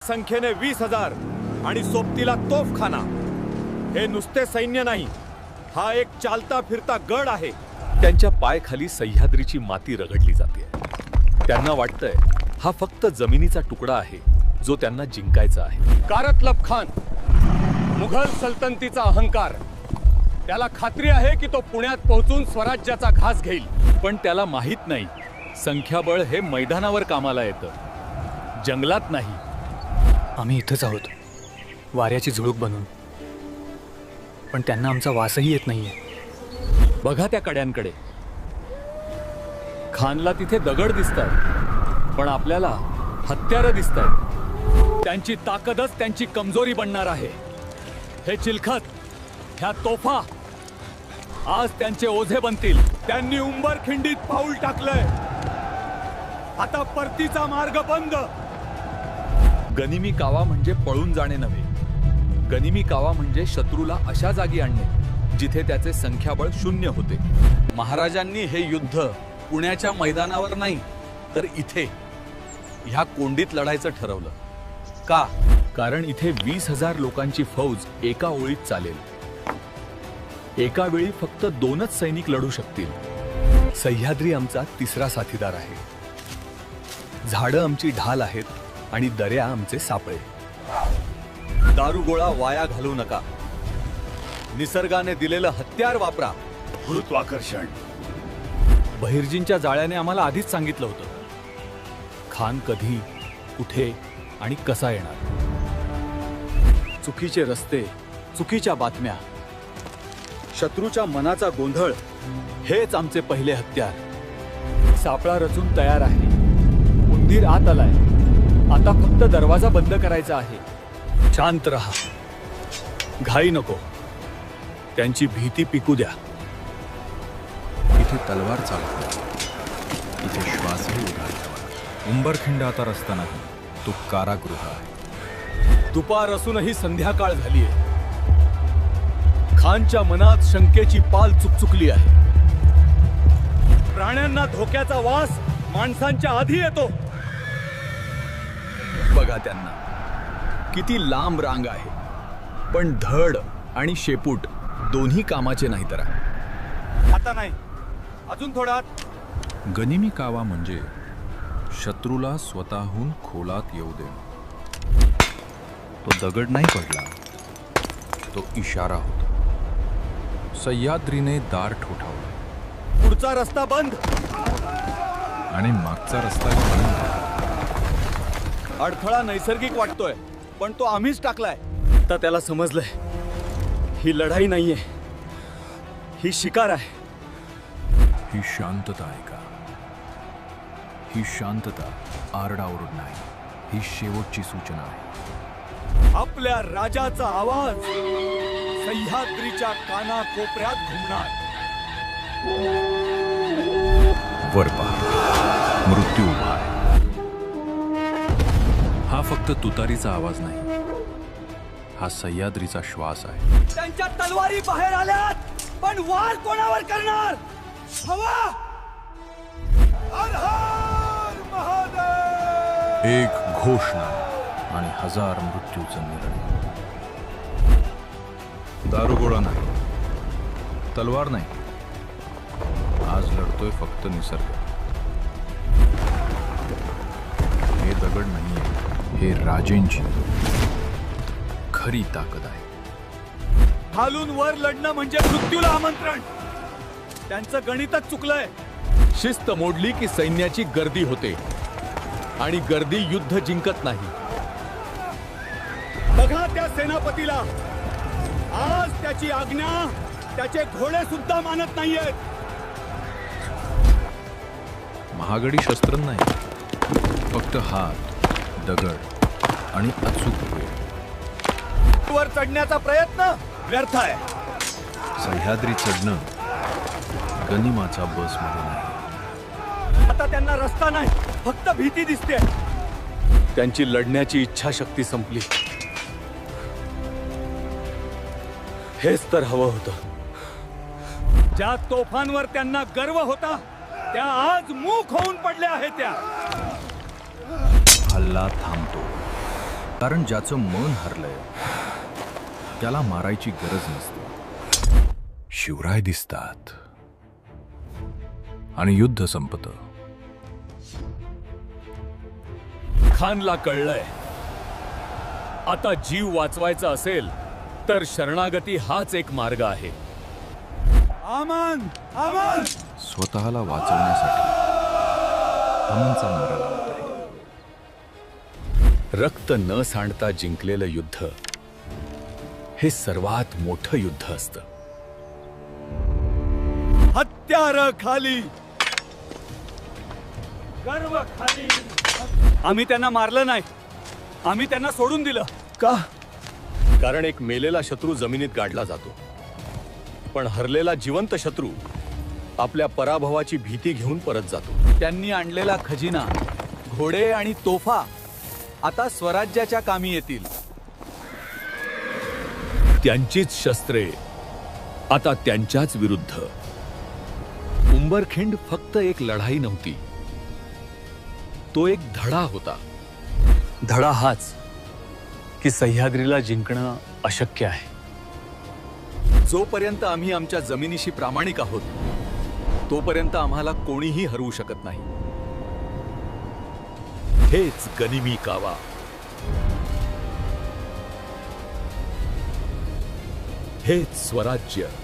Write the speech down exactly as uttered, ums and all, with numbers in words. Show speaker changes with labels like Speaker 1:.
Speaker 1: संख्येने वीस हजार आणि सोबतीला तोफखाना. हे नुसते सैन्य नाही, हा एक चालता फिरता गड आहे. त्यांच्या पायखाली सह्याद्रीची माती रगडली जाते. त्यांना वाटतंय हा फक्त जमिनीचा तुकडा आहे जो त्यांना जिंकायचा आहे.
Speaker 2: कारतलब खान, मुघल सल्तनतीचा अहंकार. त्याला खात्री आहे की तो पुण्यात पोहोचून स्वराज्याचा घास घेईल.
Speaker 1: पण त्याला माहित नाही संख्याबळ हे मैदानावर कामाला येतं, जंगलात नाही.
Speaker 3: आम्ही इथंच आहोत, वाऱ्याची झुळूक बनून, पण त्यांना आमचा वासही येत नाहीये.
Speaker 1: बघा त्या कड्यांकडे. खानला तिथे दगड दिसतात, पण आपल्याला हत्यारं दिसतात. त्यांची ताकदच त्यांची कमजोरी बनणार आहे. हे चिलखत, ह्या तोफा आज त्यांचे ओझे बनतील. त्यांनी उंबरखिंडीत पाऊल टाकलंय, आता परतीचा मार्ग बंद. गनिमी कावा म्हणजे पळून जाणे नव्हे, गनिमी कावा म्हणजे शत्रूला अशा जागी आणणे जिथे त्याचे संख्याबळ शून्य होते. महाराजांनी हे युद्ध पुण्याच्या मैदानावर नाही तर इथे ह्या कोंडीत लढायचं ठरवलं. का? कारण इथे वीस हजार लोकांची फौज एका ओळीत चालेल. एका वेळी फक्त दोनच सैनिक लढू शकतील. सह्याद्री आमचा तिसरा साथीदार आहे. झाडं आमची ढाल आहेत आणि दऱ्या आमचे सापळे. दारुगोळा वाया घालू नका. निसर्गाने दिलेलं हत्यार वापरा, गुरुत्वाकर्षण. बहिर्जींच्या जाळ्याने आम्हाला आधीच सांगितलं होतं खान कधी, कुठे आणि कसा येणार. चुकीचे रस्ते, चुकीच्या बातम्या, शत्रूच्या मनाचा गोंधळ हेच आमचे पहिले हत्यार. सापळा रचून तयार आहे. उंदीर आत आलाय, आता फक्त दरवाजा बंद करायचा आहे. शांत रहा, घाई नको. त्यांची भीती पिकू द्या.
Speaker 4: इथे तलवार चालते, इथे श्वासही उघडला. उंबरखिंड आता रस्ता नाही, तो कारागृह आहे.
Speaker 1: दुपार असूनही संध्याकाळ झालीय. खानच्या मनात शंकेची पाल चुकचुकली आहे. प्राण्यांना धोक्याचा वास माणसांच्या आधी येतो. बघा त्यांना, किती लांब रांग आहे, पण धड आणि शेपूट दोन्ही कामाचे नाही. तर आता नाही, अजून थोडा.
Speaker 4: गनिमी कावा म्हणजे शत्रूला स्वतःहून खोलात येऊ दे. तो दगड नाही पडला, तो इशारा होता. सह्याद्रीने दार ठोठावलं.
Speaker 1: पुढचा रस्ता बंद
Speaker 4: आणि मागचा रस्ता बंद.
Speaker 1: अडथळा नैसर्गिक वाटतोय, पण तो आम्हीच टाकलाय. आता त्याला समजलंय ही लढाई नाहीये, ही शिकार आहे.
Speaker 4: ही शांतता आहे का? ही शांतता आरडाओरड नाही, ही शेवटची सूचना आहे.
Speaker 1: आपल्या राजाचा आवाज सह्याद्रीच्या काना कोपऱ्यात घुमणार.
Speaker 4: वर पहा, मृत्यू उभा आहे. हा फक्त तुतारीचा आवाज नाही, हा सह्याद्रीचा श्वास आहे.
Speaker 1: त्यांच्या तलवारी बाहेर आल्यात, पण वार कोणावर करणार? हवा. हर हर महादेव.
Speaker 4: एक घोषणा आणि हजार मृत्यूचा निर्णय. दारुगोळा नाही, तलवार नाही, आज लढतोय फक्त निसर्ग. हे दगड नाहीये, हे राजेंची खरी ताकद आहे.
Speaker 1: खालून वर लढणं म्हणजे मृत्यूला आमंत्रण. त्यांचं गणितच चुकलंय. शिस्त मोडली की सैन्याची गर्दी होते, आणि गर्दी युद्ध जिंकत नाही. बघा त्या सेनापतीला, आज त्याची आज्ञा त्याचे घोडे सुद्धा मानत नाहीयेत.
Speaker 4: महागडी शस्त्र नाही, फक्त हात, दगड आणि अचूक वेळ.
Speaker 1: वर चढण्याचा प्रयत्न व्यर्थ आहे.
Speaker 4: सह्याद्री चढणं गनिमाचा बस मध्ये नाही.
Speaker 1: आता त्यांना रस्ता नाही, फक्त भीती दिसते. त्यांची लढण्याची इच्छाशक्ती संपली. हेच तर हवं होतं. ज्या तोफांवर त्यांना गर्व होता त्या आज मूक होऊन पडल्या आहेत. त्या
Speaker 4: हल्ला थांबतो, कारण ज्याचं मन हरलंय त्याला मारायची गरज नसते. शिवराय दिसतात आणि युद्ध संपतं.
Speaker 1: खानला कळलंय आता जीव वाचवायचा असेल तर शरणागती हाच एक मार्ग आहे.
Speaker 2: आमन आमन
Speaker 4: स्वतःला वाचवण्यासाठी अमनचा मारा लावत आहे.
Speaker 1: रक्त न सांडता जिंकलेलं युद्ध हे सर्वात मोठं युद्ध असतं. हत्यार खाली, गर्व खाली. आम्ही त्यांना मारलं नाही, आम्ही त्यांना सोडून दिलं.
Speaker 2: का? कारण एक मेलेला शत्रू जमिनीत गाडला जातो, पण हरलेला जिवंत शत्रू आपल्या पराभवाची भीती घेऊन परत जातो.
Speaker 1: त्यांनी आणलेला खजिना, घोडे आणि तोफा आता स्वराज्याच्या कामी येतील. त्यांचीच शस्त्रे आता त्यांच्याच विरुद्ध. उंबरखिंड फक्त एक लढाई नव्हती, तो एक धडा होता. धडा हाच की सह्याद्रीला जिंकणं अशक्य आहे. जोपर्यंत आम्ही आमच्या जमिनीशी प्रामाणिक आहोत तोपर्यंत आम्हाला कोणीही हरवू शकत नाही. हेच गनिमी कावा. हेच स्वराज्य.